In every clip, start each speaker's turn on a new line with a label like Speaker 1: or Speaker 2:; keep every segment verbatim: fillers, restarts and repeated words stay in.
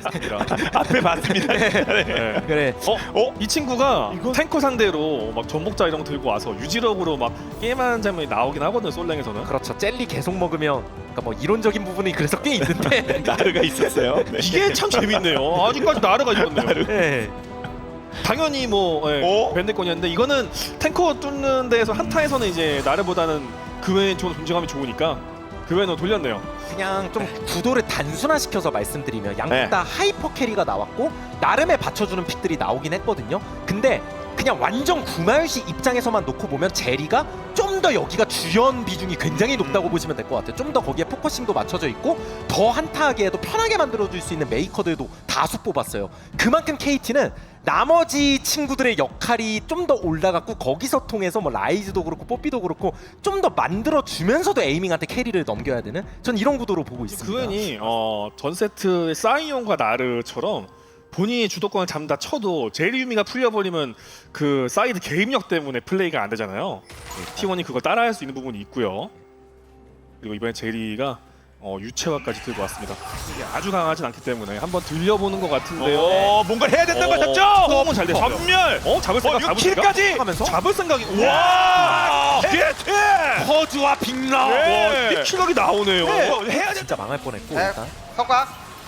Speaker 1: 맞습니다.
Speaker 2: 앞에 봤습니다.
Speaker 3: 네.
Speaker 2: 네.
Speaker 3: 그래.
Speaker 1: 어?
Speaker 2: 어?
Speaker 1: 이 친구가
Speaker 2: 이거-
Speaker 1: 탱커 상대로 막 전복자 이런 거 들고 와서 유지력으로 막 게임하는 장면이 나오긴 하거든요. 솔랭에서는.
Speaker 3: 그렇죠. 젤리 계속 먹으면 그러니까 뭐 이론적인 부분이 그래서 꽤 있는데.
Speaker 2: 나르가 있었어요. 네.
Speaker 1: 이게 참 재밌네요. 아직까지 나르가 있었네요.
Speaker 3: 네.
Speaker 1: 당연히 뭐 예,
Speaker 2: 어?
Speaker 1: 밴드권이었는데 이거는 탱커 뚫는 데에서 한타에서는 이제 나르보다는 그 외엔 좀 존재감이 좋으니까 그 외에는 돌렸네요.
Speaker 3: 그냥 좀 구도를 단순화시켜서 말씀드리면 양쪽
Speaker 2: 네.
Speaker 3: 다 하이퍼 캐리가 나왔고 나름의 받쳐주는 픽들이 나오긴 했거든요. 근데 그냥 완전 구마유시 입장에서만 놓고 보면 제리가 좀 더 여기가 주연 비중이 굉장히 높다고 보시면 될 것 같아요. 좀 더 거기에 포커싱도 맞춰져 있고 더 한타하기에도 편하게 만들어줄 수 있는 메이커들도 다수 뽑았어요. 그만큼 케이티는 나머지 친구들의 역할이 좀 더 올라갔고 거기서 통해서 뭐 라이즈도 그렇고 뽀삐도 그렇고 좀 더 만들어주면서도 에이밍한테 캐리를 넘겨야 되는 전 이런 구도로 보고 있습니다.
Speaker 1: 그 외니 어, 전 세트의 사이온과 나르처럼 본인이 주도권을 잡는다 쳐도 제리유미가 풀려버리면 그 사이드 개입력 때문에 플레이가 안 되잖아요. 티원이 그걸 따라할 수 있는 부분이 있고요. 그리고 이번에 제리가 어, 유채화까지 들고 왔습니다. 이게 아주 강하진 않기 때문에 한번 들려보는 것 같은데요.
Speaker 2: 어, 뭔가 해야 된다는 걸 샀죠?
Speaker 1: 너무 잘 됐어요.
Speaker 2: 전멸!
Speaker 1: 어? 잡을 생각,
Speaker 2: 어,
Speaker 1: 잡을
Speaker 2: 육
Speaker 1: 생각?
Speaker 2: 킬까지!
Speaker 3: 하면서
Speaker 1: 잡을 생각이
Speaker 2: 와! 게트!
Speaker 3: 허즈와 빅라
Speaker 2: 네.
Speaker 1: 이 킬각이 나오네요.
Speaker 2: 네. 어, 해야 된다.
Speaker 3: 진짜 망할 뻔했고
Speaker 4: 네,
Speaker 3: 일단
Speaker 4: 성과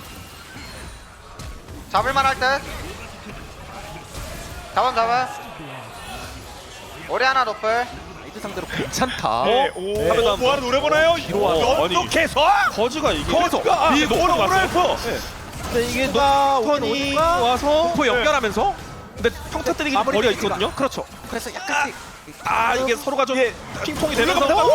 Speaker 4: 잡을만 할 듯. 잡음 잡음. 오리 하나 높을.
Speaker 3: 라이드 상대로 괜찮다.
Speaker 2: 네,
Speaker 1: 어?
Speaker 2: 오,
Speaker 1: 하면
Speaker 2: 어, 뭐하러 노래 보나요?
Speaker 1: 와서.
Speaker 2: 연속해서?
Speaker 1: 거즈가 이게
Speaker 2: 거즈가!
Speaker 1: 이게
Speaker 2: 노래
Speaker 1: 녹턴 왔어요.
Speaker 2: 보나요?
Speaker 1: 근데 이게
Speaker 3: 누가
Speaker 1: 녹턴이
Speaker 3: 오니까
Speaker 1: 와서
Speaker 3: 공포 연결하면서
Speaker 1: 근데 평타 때리기
Speaker 3: 마무리
Speaker 1: 거리가
Speaker 3: 페이지가-
Speaker 1: 있거든요.
Speaker 3: 그렇죠. 그래서 약간씩
Speaker 1: 아 이게 서로가 좀
Speaker 2: 예.
Speaker 1: 핑퐁이
Speaker 2: 올라갑니다.
Speaker 1: 되면서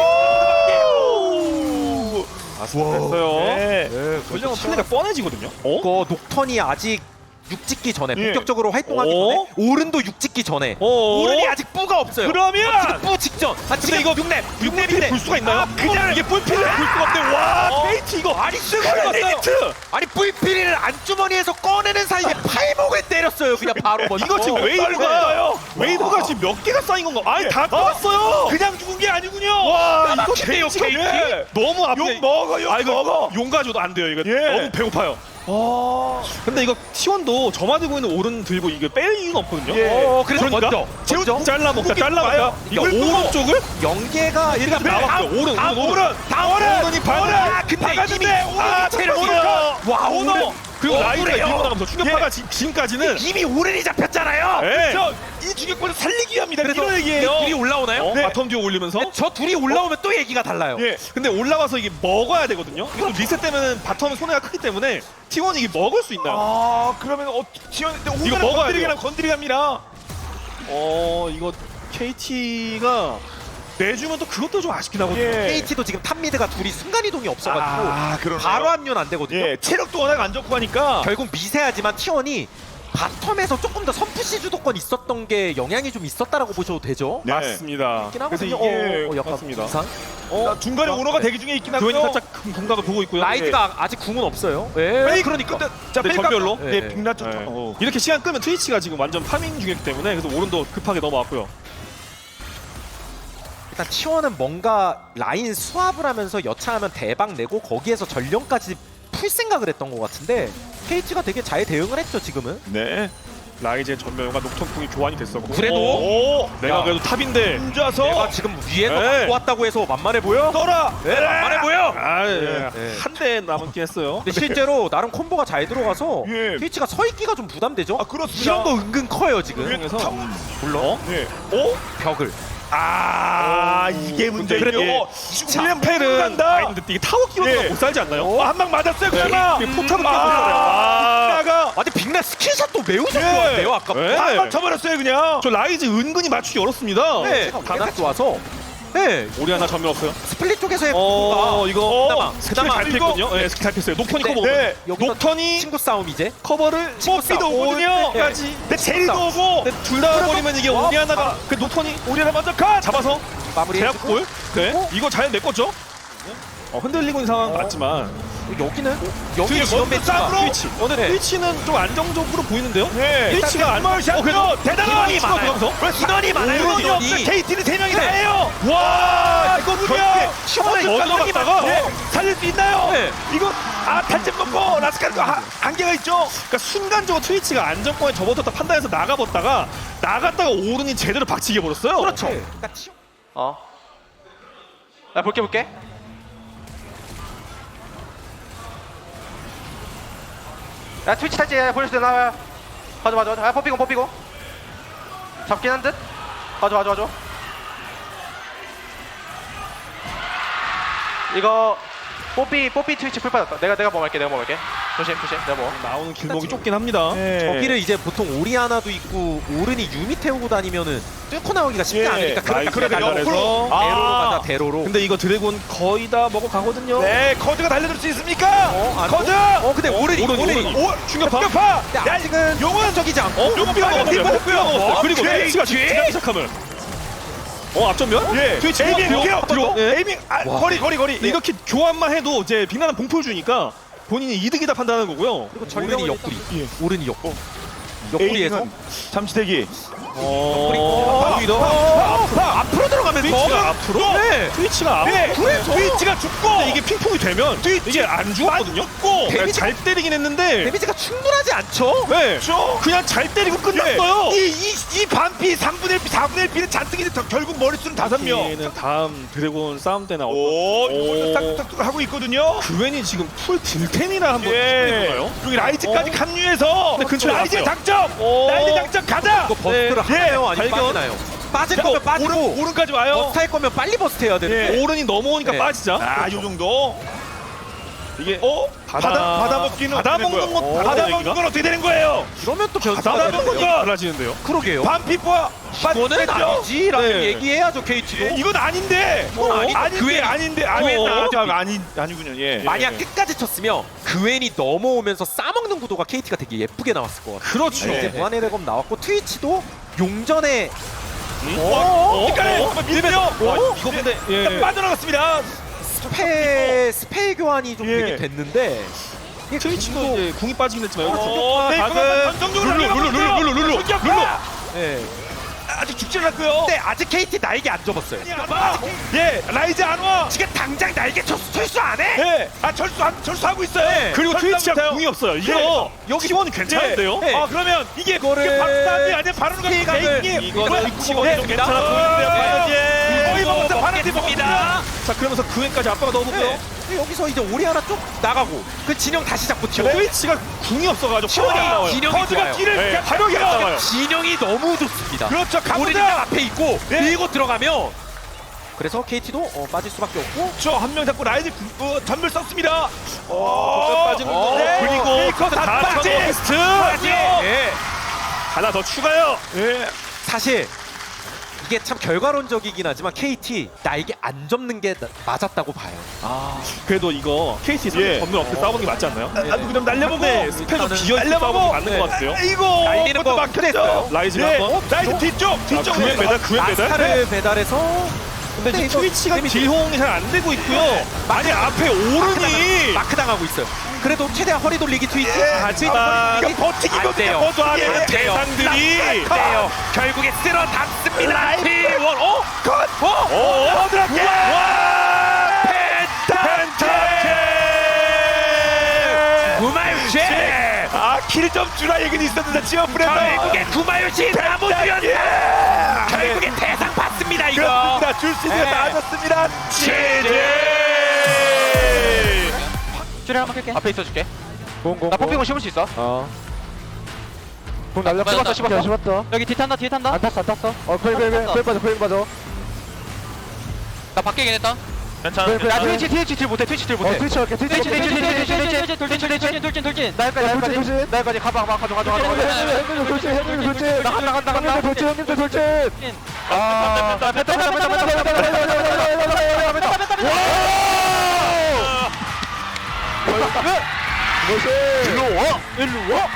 Speaker 2: 오!
Speaker 1: 됐어요.
Speaker 2: 네.
Speaker 1: 전령은 플레이가 뻔해지거든요. 어?
Speaker 3: 그 녹턴이 아직 육 찍기 전에
Speaker 2: 예.
Speaker 3: 본격적으로 활동하기
Speaker 1: 어?
Speaker 3: 전에 오른도 육 찍기 전에
Speaker 1: 어?
Speaker 3: 오른이 아직 뿌가 없어요.
Speaker 2: 그러면
Speaker 3: 뿌 직전. 아 지금
Speaker 1: 이거
Speaker 3: 육 렙, 육
Speaker 1: 볼
Speaker 3: 렙인데
Speaker 1: 수가 있나요?
Speaker 2: 아, 그냥
Speaker 1: 이게 볼필을 볼 수가 없는데 와 케이티 이거 아니 쓰고
Speaker 2: 리미트!
Speaker 3: 아니 뿌이피리를 안주머니에서 꺼내는 사이에 팔목을 때렸어요. 그냥 바로 먼저.
Speaker 1: 이거 지금
Speaker 2: 어,
Speaker 1: 웨이브가
Speaker 2: 빨라요.
Speaker 1: 웨이브가 지금 몇 개가 쌓인 건가? 아니
Speaker 2: 예.
Speaker 1: 다
Speaker 2: 어?
Speaker 1: 떠왔어요.
Speaker 2: 그냥 죽은 게 아니군요.
Speaker 1: 와 이거
Speaker 2: 케이티가
Speaker 1: 케이티가
Speaker 2: 예.
Speaker 1: 너무 앞에
Speaker 2: 욕 먹어, 욕
Speaker 1: 아 이거
Speaker 2: 먹어.
Speaker 1: 용 가져도 안 돼요. 이거
Speaker 2: 예.
Speaker 1: 너무 배고파요.
Speaker 2: 아.
Speaker 1: 근데 이거 티원도 저마 들고 있는 오른 들고 이게 뺄 이유는 없거든요.
Speaker 2: 예.
Speaker 3: 어, 그래서
Speaker 1: 그러니까
Speaker 3: 먼저
Speaker 1: 지금
Speaker 3: 먼저
Speaker 1: 잘라 먹자, 잘라 먹자. 이거
Speaker 2: 이걸 또
Speaker 1: 오른쪽을
Speaker 3: 연계가 일단
Speaker 1: 나왔어요.
Speaker 2: 다-
Speaker 1: 오른,
Speaker 2: 다
Speaker 1: 오른,
Speaker 2: 오른! 다 오른!
Speaker 1: 오른이 발.
Speaker 2: 오른!
Speaker 3: 아, 근데
Speaker 2: 박았는데
Speaker 3: 이미-
Speaker 2: 오른!
Speaker 3: 아, 체력이니까.
Speaker 2: 와, 오른!
Speaker 1: 그리고
Speaker 2: 어,
Speaker 1: 라이드가
Speaker 2: 그래요.
Speaker 1: 밀고 나가면서 충격파가 지, 지금까지는
Speaker 3: 이미 오른이 잡혔잖아요.
Speaker 1: 예.
Speaker 2: 저, 이 주격권을 살리기 위함이다.
Speaker 3: 그래서
Speaker 2: 이런 얘기예요.
Speaker 3: 둘이 올라오나요?
Speaker 1: 어?
Speaker 2: 네.
Speaker 1: 바텀 뒤에 올리면서
Speaker 3: 저 둘이 올라오면 또 얘기가 달라요.
Speaker 2: 예.
Speaker 1: 근데 올라와서 이게 먹어야 되거든요. 이거 리셋되면 바텀은 손해가 크기 때문에 티원이 이게 먹을 수 있나요?
Speaker 2: 아, 그러면 어, 지원
Speaker 1: 이거 먹어야
Speaker 2: 건드리기랑
Speaker 1: 돼요.
Speaker 2: 건드리기 합니다.
Speaker 1: 어 이거 케이티가 내주면 또 그것도 좀 아쉽긴 하거든요.
Speaker 2: 예.
Speaker 3: 케이티도 지금 탑미드가 둘이 순간 이동이 없어가지고
Speaker 2: 아, 그러네요.
Speaker 3: 바로 합류는 안 되거든요.
Speaker 2: 예, 체력도 워낙 안 좋고 하니까
Speaker 3: 결국 미세하지만 티원이 바텀에서 조금 더 선푸시 주도권 있었던 게 영향이 좀 있었다라고 보셔도 되죠.
Speaker 2: 네.
Speaker 1: 맞습니다.
Speaker 3: 있긴
Speaker 1: 그래서
Speaker 3: 하거든요.
Speaker 1: 이게
Speaker 3: 어, 어, 약간
Speaker 1: 맞습니다.
Speaker 3: 이상.
Speaker 2: 어, 중간에 오너가 대기 중에 있긴
Speaker 1: 교현이
Speaker 2: 하고요.
Speaker 1: 살짝 금- 감각을 보고 있고요.
Speaker 3: 라이드가 아직 궁은 없어요. 예,
Speaker 2: 페이크,
Speaker 3: 그러니까.
Speaker 2: 근데, 자,
Speaker 1: 네,
Speaker 2: 페이크
Speaker 1: 전멸로?
Speaker 2: 예,
Speaker 3: 예.
Speaker 2: 빅나 쪽.
Speaker 1: 네.
Speaker 2: 어.
Speaker 1: 이렇게 시간 끄면 트위치가 지금 완전 파밍 중이기 때문에 그래서 오른도 급하게 넘어왔고요.
Speaker 3: 일단 티원은 뭔가 라인 수합을 하면서 여차하면 대박 내고 거기에서 전령까지 풀 생각을 했던 것 같은데 케이티가 되게 잘 대응을 했죠 지금은.
Speaker 2: 네.
Speaker 1: 라이즈의 전멸과 녹턴풍이 교환이 됐었고
Speaker 3: 그래도?
Speaker 1: 오, 내가
Speaker 3: 야.
Speaker 1: 그래도 탑인데
Speaker 2: 혼자서
Speaker 3: 내가 지금 위에서
Speaker 1: 네.
Speaker 3: 갖고 왔다고 해서 만만해 보여?
Speaker 2: 떠라.
Speaker 3: 네, 만만해 보여.
Speaker 1: 아,
Speaker 3: 네.
Speaker 1: 한 대 남았긴 했어요.
Speaker 3: 근데 실제로 나름 콤보가 잘 들어가서
Speaker 2: 예.
Speaker 3: 케이티가 서 있기가 좀 부담되죠.
Speaker 2: 아, 그렇습니다.
Speaker 3: 이런 거 은근 커요 지금.
Speaker 2: 예.
Speaker 1: 그래서
Speaker 2: 탑-
Speaker 3: 물론
Speaker 2: 네. 어?
Speaker 3: 벽을.
Speaker 2: 아, 이게 문제군요.
Speaker 1: 그래도
Speaker 2: 훈련
Speaker 1: 펠은
Speaker 2: 간다.
Speaker 1: 아닌데 이게 타워 끼워서
Speaker 2: 예.
Speaker 1: 못 살지 않나요?
Speaker 2: 어, 한 방 맞았어요. 그러나
Speaker 1: 이게 포탑을
Speaker 2: 아,
Speaker 1: 아,
Speaker 2: 빅나가
Speaker 3: 아니 빅나 스킬샷도 매우
Speaker 2: 예.
Speaker 3: 좋았네요 아까.
Speaker 1: 네.
Speaker 2: 한방 쳐버렸어요 그냥.
Speaker 1: 저 라이즈 은근히 맞추기 어렵습니다.
Speaker 3: 네, 다낙 좋아서. 네,
Speaker 1: 우리 하나 전멸 없어요.
Speaker 3: 스플릿 쪽에서의
Speaker 1: 어,
Speaker 3: 콤보가
Speaker 1: 이거
Speaker 3: 그나마
Speaker 1: 스킬
Speaker 3: 그나마
Speaker 1: 잘
Speaker 2: 이거-
Speaker 1: 폈거든요. 네, 스킬 잘 폈어요. 녹턴이
Speaker 3: 네.
Speaker 1: 커버.
Speaker 2: 네.
Speaker 3: 여기서
Speaker 1: 녹턴이
Speaker 3: 친구 싸움 이제.
Speaker 1: 커버를
Speaker 3: 친구
Speaker 2: 뽀삐도
Speaker 3: 싸움.
Speaker 2: 오거든요.
Speaker 1: 까지.
Speaker 2: 근데 제리도 오고.
Speaker 1: 둘 다 버리면 이게
Speaker 3: 와,
Speaker 1: 오리 하나가
Speaker 3: 아.
Speaker 1: 그 녹턴이
Speaker 2: 우리 하나 먼저 가.
Speaker 1: 잡아서
Speaker 3: 마무리.
Speaker 1: 제압골. 네.
Speaker 3: 어?
Speaker 1: 이거 잘 메꿨죠? 어, 흔들리고 있는 상황 맞지만
Speaker 3: 여기는 여기
Speaker 1: 트위치,
Speaker 3: 지원
Speaker 2: 먼저
Speaker 3: 배치가
Speaker 2: 싸움으로!
Speaker 1: 트위치 오늘
Speaker 3: 네.
Speaker 1: 트위치는 좀 안정적으로 보이는데요?
Speaker 2: 네.
Speaker 1: 트위치가 안
Speaker 2: 스몰 샷.
Speaker 1: 그래도
Speaker 2: 대단한
Speaker 1: 인원이 많아요.
Speaker 2: 인원이 많아요. 인원이
Speaker 3: 인원이.
Speaker 2: 없어. 케이티는 세 명이
Speaker 3: 네.
Speaker 2: 다예요. 와, 이거 누구야?
Speaker 1: 시원하게 넣어들어갔다가
Speaker 2: 네. 살릴 수 있나요?
Speaker 3: 네.
Speaker 2: 이거 아 탈집 먹고 라스카르가 하- 한계가 있죠.
Speaker 1: 그러니까 순간적으로 트위치가 안정권에 접어들었다 판단해서 나가봤다가 나갔다가 오른이 제대로 박치게 버렸어요.
Speaker 3: 그렇죠. 그러니까 티-
Speaker 4: 어. 나 볼게 볼게. 야 트위치 탈지 보여줄 때 나와요. 봐줘 봐줘. 아 퍼피고 퍼피고. 잡긴 한 듯. 봐줘 봐줘 봐줘. 이거 뽀삐 뽀삐 트위치 풀 빠졌다. 내가 내가 뭐 할게 내가 뭐 할게. 조심 조심 내가 뭐.
Speaker 1: 나오는 길목이 좁긴 합니다.
Speaker 2: 네.
Speaker 3: 저기를 이제 보통 오리아나도 있고 오른이 유미 태우고 다니면은 뚫고 나오기가 쉽지
Speaker 2: 예.
Speaker 3: 않으니까 그러니까
Speaker 1: 나이스
Speaker 3: 그래
Speaker 1: 달달해서.
Speaker 3: 대로로
Speaker 2: 아.
Speaker 3: 대로로 가자 대로로.
Speaker 1: 근데 이거 드래곤 거의 다 먹어가거든요.
Speaker 2: 네, 커드가 달려들 수 있습니까?
Speaker 3: 어, 안-
Speaker 2: 커드.
Speaker 3: 어 근데 오른이
Speaker 1: 오른이,
Speaker 3: 오른이.
Speaker 1: 오른이.
Speaker 2: 오, 충격파. 충격파.
Speaker 3: 근데
Speaker 2: 야,
Speaker 3: 아직은
Speaker 2: 용은
Speaker 3: 적이지 않고.
Speaker 1: 어?
Speaker 2: 요거
Speaker 1: 삐가
Speaker 2: 빨간 팀
Speaker 1: 먹었어요. 삐가 먹었어요.
Speaker 2: 어,
Speaker 1: 그리고
Speaker 2: 뒤에,
Speaker 1: 트위치가
Speaker 2: 뒤에.
Speaker 1: 지나기 시작하면 어 앞전면?
Speaker 2: 예.
Speaker 1: 트위치
Speaker 2: 에이밍
Speaker 1: 뒤로,
Speaker 2: 뒤로.
Speaker 1: 뒤로.
Speaker 2: 뒤로. 에이밍 아, 거리 거리 거리.
Speaker 1: 이렇게 교환만 해도 이제 빅나는 봉풀 주니까 본인이 이득이다 판단하는 거고요.
Speaker 3: 오른이 옆구리.
Speaker 2: 예.
Speaker 3: 오른이 옆구. 옆구리에서
Speaker 2: 에이밍은 잠시 대기.
Speaker 1: 어,
Speaker 3: 오히려 앞으로 들어가면서
Speaker 1: 트위치가 앞으로?
Speaker 3: 네.
Speaker 1: 트위치가 앞으로.
Speaker 2: 네.
Speaker 3: 그래서
Speaker 2: 트위치가 죽고
Speaker 1: 근데 이게 핑퐁이 되면 이게 안 죽었거든요.
Speaker 2: 죽고.
Speaker 1: 그러니까 잘 때리긴 했는데
Speaker 3: 데미지가 충분하지 않죠.
Speaker 1: 네.
Speaker 2: 죠
Speaker 1: 그냥 잘 때리고 끝났어요.
Speaker 2: 이이 이 반피 삼분의 일 피 사분의 일 피는 잔뜩이 결국 머릿수는 다섯 명.
Speaker 1: 얘는 다음 드래곤 싸움 때 나올
Speaker 2: 오,
Speaker 1: 오.
Speaker 2: 싹둑싹둑 하고 있거든요.
Speaker 1: 그웬이 지금 풀 딜템이나 한번
Speaker 2: 예.
Speaker 1: 해볼까요?
Speaker 2: 여기 라이즈까지 합류해서
Speaker 1: 근데 근처에
Speaker 2: 라이즈의
Speaker 1: 왔어요.
Speaker 2: 장점.
Speaker 1: 오.
Speaker 2: 라이즈 장점 가자.
Speaker 3: 이거 버스트를
Speaker 2: 예.
Speaker 3: 하나요? 아니면
Speaker 1: 발견.
Speaker 3: 빠지나요? 빠질
Speaker 2: 자,
Speaker 3: 거면 빠지고
Speaker 2: 오른 오른까지 와요.
Speaker 3: 버스트 할 거면 빨리 버스트 해야 되는데.
Speaker 2: 예.
Speaker 1: 오른이 넘어오니까
Speaker 3: 네.
Speaker 1: 빠지자.
Speaker 2: 아, 요 정도.
Speaker 1: 이게
Speaker 2: 어?
Speaker 1: 받아-
Speaker 2: 받아 받아 먹기는
Speaker 1: 받아
Speaker 2: 어떻게 되는
Speaker 1: 먹는
Speaker 2: 거예요?
Speaker 1: 건
Speaker 2: 받아
Speaker 1: 다른
Speaker 2: 먹는
Speaker 1: 얘기가?
Speaker 2: 건 어떻게 되는 거예요?
Speaker 3: 이러면 또 변수가
Speaker 2: 받아
Speaker 3: 되는데요.
Speaker 2: 먹는 거.
Speaker 1: 달라지는데요.
Speaker 3: 그러게요.
Speaker 2: 반피와
Speaker 3: 이거는 아니지라는
Speaker 1: 네.
Speaker 3: 얘기해야죠 케이티도.
Speaker 2: 예, 이건 아닌데.
Speaker 3: 이건 아니-
Speaker 2: 아닌데
Speaker 3: 그웬이-
Speaker 2: 아닌데 아닌데
Speaker 1: 어.
Speaker 2: 아, 아니 아니군요. 예.
Speaker 3: 만약
Speaker 1: 예.
Speaker 3: 끝까지 쳤으면 그웬이 넘어오면서 싸먹는 구도가 케이티가 되게 예쁘게 나왔을 것 같아요.
Speaker 1: 그렇죠.
Speaker 3: 이제 무한의 대검 나왔고 트위치도 용전에
Speaker 2: 어?
Speaker 1: 어?
Speaker 2: 헷갈려.
Speaker 1: 어?
Speaker 2: 밀면서
Speaker 1: 어? 이거 근데 예.
Speaker 2: 빠져나갔습니다.
Speaker 3: 스페 스페 교환이 좀
Speaker 2: 예.
Speaker 3: 되게 됐는데 이게
Speaker 1: 트위치도
Speaker 3: 궁도-
Speaker 1: 이제 궁이 빠지긴 했지만 여기
Speaker 2: 어, 네,
Speaker 1: 각은
Speaker 2: 그거만 전정적으로
Speaker 1: 룰루 룰루 룰루 룰루 룰루
Speaker 2: 충격파!
Speaker 1: 룰루.
Speaker 3: 예.
Speaker 2: 아직 죽지 않았고요.
Speaker 3: 근데 아직 케이티 날개 안 접었어요.
Speaker 2: 안 와. 예, 라이즈 안 와.
Speaker 3: 지금 당장 날개 철수, 철수 안 해?
Speaker 2: 예, 아 철수 철수하고 있어요.
Speaker 3: 네.
Speaker 1: 그리고
Speaker 2: 철수
Speaker 1: 트위치가
Speaker 2: 못해요.
Speaker 1: 궁이 없어요. 이거
Speaker 2: 예.
Speaker 1: 여기 티원이 괜찮은데요?
Speaker 3: 네.
Speaker 2: 아 그러면 이게
Speaker 3: 이거를
Speaker 2: 이게 박사님 아니면 바로는
Speaker 3: 피해각을
Speaker 1: 이거는 티원이 좀 괜찮아 보이는데요.
Speaker 2: 예. 거의 먹었어. 바로티
Speaker 3: 먹겠습니다.
Speaker 1: 자 그러면서 그웬까지 압박을 넣어보고요.
Speaker 3: 네. 근데 여기서 이제 오리아나 쪽 나가고 그 진영 다시 잡고 튀어.
Speaker 1: 트위치가 궁이 없어가지고 티원이 안 나와요.
Speaker 3: 진영이
Speaker 2: 커즈가
Speaker 3: 좋아요.
Speaker 2: 길을
Speaker 1: 네,
Speaker 2: 그냥
Speaker 1: 화력이 안 나와요.
Speaker 3: 진영이 너무 좋습니다.
Speaker 2: 그렇죠.
Speaker 3: 오리아나
Speaker 2: 가보자.
Speaker 3: 앞에 있고
Speaker 2: 네.
Speaker 3: 밀고 들어가면 그래서 케이티도 어, 빠질 수밖에 없고
Speaker 2: 저한 명 잡고 라이즈 구- 어, 전멸 썼습니다.
Speaker 1: 어,
Speaker 2: 어,
Speaker 1: 빠지는
Speaker 3: 어,
Speaker 1: 거. 그리고
Speaker 2: 페이커 다
Speaker 1: 다
Speaker 2: 빠지.
Speaker 1: 쳐노비스트.
Speaker 2: 빠지.
Speaker 3: 예.
Speaker 1: 하나 더 추가요.
Speaker 2: 예.
Speaker 3: 사실 이게 참 결과론적이긴 하지만 케이티 날개 안 접는 게 나- 맞았다고 봐요.
Speaker 1: 그래도 이거 케이티
Speaker 2: 예.
Speaker 1: 전면 없게 싸우는 게 맞지 않나요?
Speaker 2: 나- 나도 그럼 날려보고
Speaker 1: 근데 스페도
Speaker 3: 일단은
Speaker 1: 비어있게 싸우는 게 맞는 것 같아요.
Speaker 2: 이거
Speaker 3: 날리는 거
Speaker 2: 막혔죠.
Speaker 3: 그랬어요.
Speaker 1: 라이즈가
Speaker 2: 예.
Speaker 1: 한번.
Speaker 2: 라이즈 뒤쪽 뒤쪽
Speaker 1: 그웬 배달 그웬 배달.
Speaker 3: 아스타를 배달해서
Speaker 1: 근데 지금
Speaker 3: 이거
Speaker 1: 트위치가
Speaker 3: 데미지-
Speaker 1: 딜홍이 잘 안 되고 있고요. 아니 앞에 오른이
Speaker 3: 마크 당하고 있어요. 그래도 최대한 허리 돌리기 트위치.
Speaker 1: 하지만
Speaker 2: 이거 버티기도
Speaker 3: 안 돼요.
Speaker 2: 버텨하는
Speaker 3: 안 돼요.
Speaker 1: 대상들이
Speaker 3: 돼요. 결국에 쓸어 담습니다. 티원. 어?
Speaker 2: 컷!
Speaker 3: 어?
Speaker 2: 어, 드랍게!
Speaker 1: 와!
Speaker 2: 펜타케!
Speaker 3: 구마유치.
Speaker 2: 아, 킬 좀 주라 얘기는 있었는데 지어프레서
Speaker 3: 결국에 구마유치 나무주였다. 결국에 대상 받습니다 이거.
Speaker 2: 그렇습니다. 줄 수 있는 거
Speaker 3: 네.
Speaker 2: 다 줬습니다.
Speaker 1: 제제.
Speaker 4: 줄에 한번 켤게. 앞에 있어줄게.
Speaker 2: 공공.
Speaker 4: 나 뽀삐공 씹을 수 있어.
Speaker 2: 어. 공 날려
Speaker 4: 씹었어, 씹었어.
Speaker 2: 씹었어.
Speaker 4: 여기 뒤 탄다 뒤에 탄다.
Speaker 2: 안 탔어 안 탔어. 어, 코일 코일
Speaker 4: 탔어.
Speaker 2: 코일 빠져 코일 빠져.
Speaker 4: 나 밖에 했다.
Speaker 1: 괜찮아.
Speaker 2: 야,
Speaker 4: 야 트위치 트위치 딜 못해 트위치 딜
Speaker 2: 어,
Speaker 4: 못해.
Speaker 2: 트위치 할게. 트위치
Speaker 4: 트위치 트위치 트위치 트위치 트위치 돌진 돌진 돌진 돌진 돌진. 나까지 나까지 나까지 가봐 가봐 가져 가져 가져 가져.
Speaker 2: 형님들 돌진 형님들 돌진.
Speaker 4: 나간다 나간다 나간다.
Speaker 2: 형님들 돌진 형님들 돌진. 아.
Speaker 4: 뺐다 뺐다 뺐다 뺐다 뺐다 뺐다 뺐다 뺐다.
Speaker 2: 일로 와. 일로 와.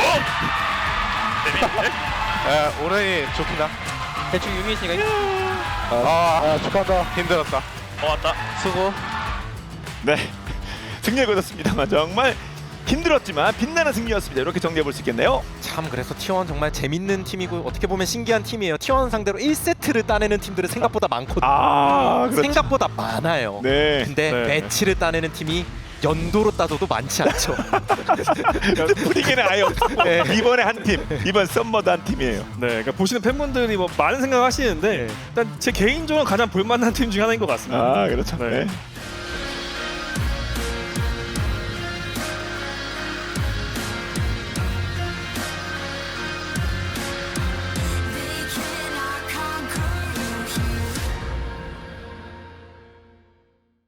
Speaker 2: 에, 오른이 좋긴다.
Speaker 4: 대충 유미 씨가
Speaker 2: 아, 아 축하한다.
Speaker 1: 힘들었다. 어 왔다.
Speaker 2: 수고. 네. 승리를 거뒀습니다만 정말 힘들었지만 빛나는 승리였습니다. 이렇게 정리해 볼 수 있겠네요.
Speaker 3: 참 그래서 티원 정말 재밌는 팀이고 어떻게 보면 신기한 팀이에요. 티원 상대로 일 세트를 따내는 팀들은 생각보다 많거든요.
Speaker 2: 아, 그렇죠.
Speaker 3: 생각보다 많아요.
Speaker 2: 네.
Speaker 3: 근데
Speaker 1: 네.
Speaker 3: 매치를 따내는 팀이 연도로 따져도 많지 않죠.
Speaker 2: 스프링에는 아예 없고
Speaker 3: 네.
Speaker 2: 이번에 한 팀, 이번 썸머드 한 팀이에요.
Speaker 1: 네, 그러니까 보시는 팬분들이 뭐 많은 생각하시는데
Speaker 3: 네.
Speaker 1: 일단 제 개인적으로 가장 볼만한 팀 중에 하나인 것 같습니다.
Speaker 2: 아, 그렇죠.
Speaker 1: 네.
Speaker 2: 네.